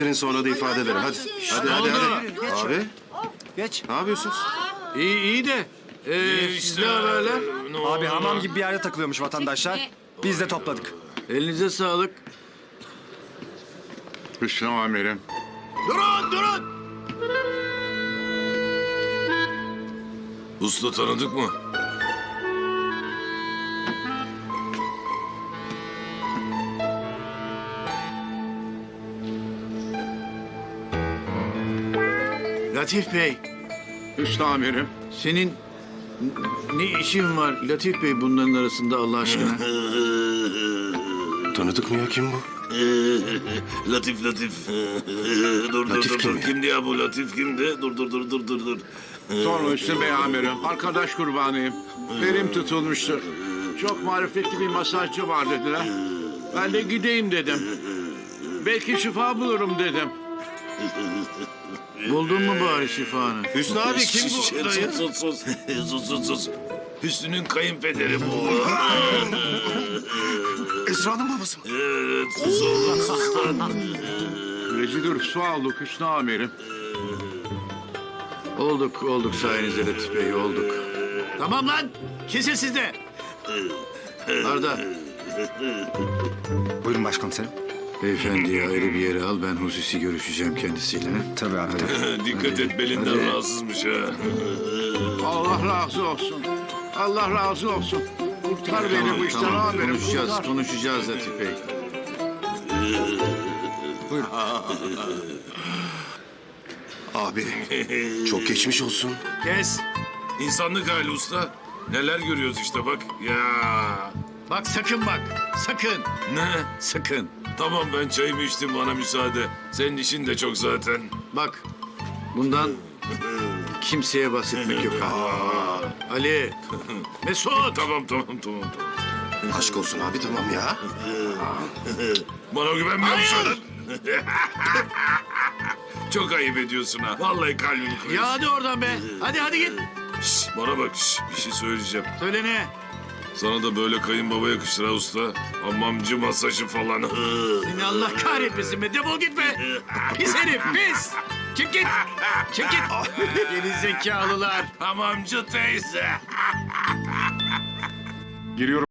Sonra da ifade ederim. Hadi. Hadi. Abi. Geç. Ne yapıyorsunuz? İyi de. Sizde haberler. Abi hamam gibi bir yerde takılıyormuş vatandaşlar. Biz de topladık. Elinize sağlık. Hüsnü amirim. Durun! Usta tanıdık mı? Latif Bey, Hüsnü amirim. senin ne işin var Latif Bey bunların arasında Allah aşkına? Tanıdık mı ya, kim bu? Latif. Dur Latif kim ya? Kimdi ya bu Latif kimdi? Dur. Sorma Hüsnü Bey amirim. Arkadaş kurbanıyım. Belim tutulmuştur. Çok marifetli bir masajcı var dediler. Ben de gideyim dedim. Belki şifa bulurum dedim. Buldun mu bari şifanı? Hüsnü abi kim bu? Dayı? Sus. Hüsnü'nün kayınpederi bu. Esra'nın babası mı? Evet, sus oğlum. Rezil rüsva olduk Hüsnü amirim. Olduk sayenizde Latif Bey, olduk. Tamam lan, kesin sizde. Arda, Buyurun başkomiserim. beyefendiyi ayrı bir yere al, ben hususi görüşeceğim kendisiyle. Tabii abi. Dikkat et belinden rahatsızmış ha. Allah razı olsun. Allah razı olsun. Kurtar beni bu işten amirim. Konuşacağız Latif Bey. Abi çok geçmiş olsun. Kes. İnsanlık hali usta. Neler görüyoruz işte bak. Ya. Bak sakın bak, sakın, Ne? sakın. Tamam ben çayımı içtim bana müsaade. Senin işin de çok zaten. Bak, bundan kimseye bahsetmek yok ha. Ali, Mesut. Tamam. Aşk olsun abi, tamam ya. Bana güvenmiyor musun? Çok ayıp ediyorsun ha. Vallahi kalbimi kırıyorsun. Ya hadi oradan be. Hadi git. Şş, bana bak bir şey söyleyeceğim. Söyle ne? Sana da böyle kayınbaba yakışır ha usta. Hamamcı masajı falan. Seni Allah kahretmesin be. Defol git be. Pis herif, pis. Çık git. Geri zekalılar. Hamamcı teyze. Giriyorum.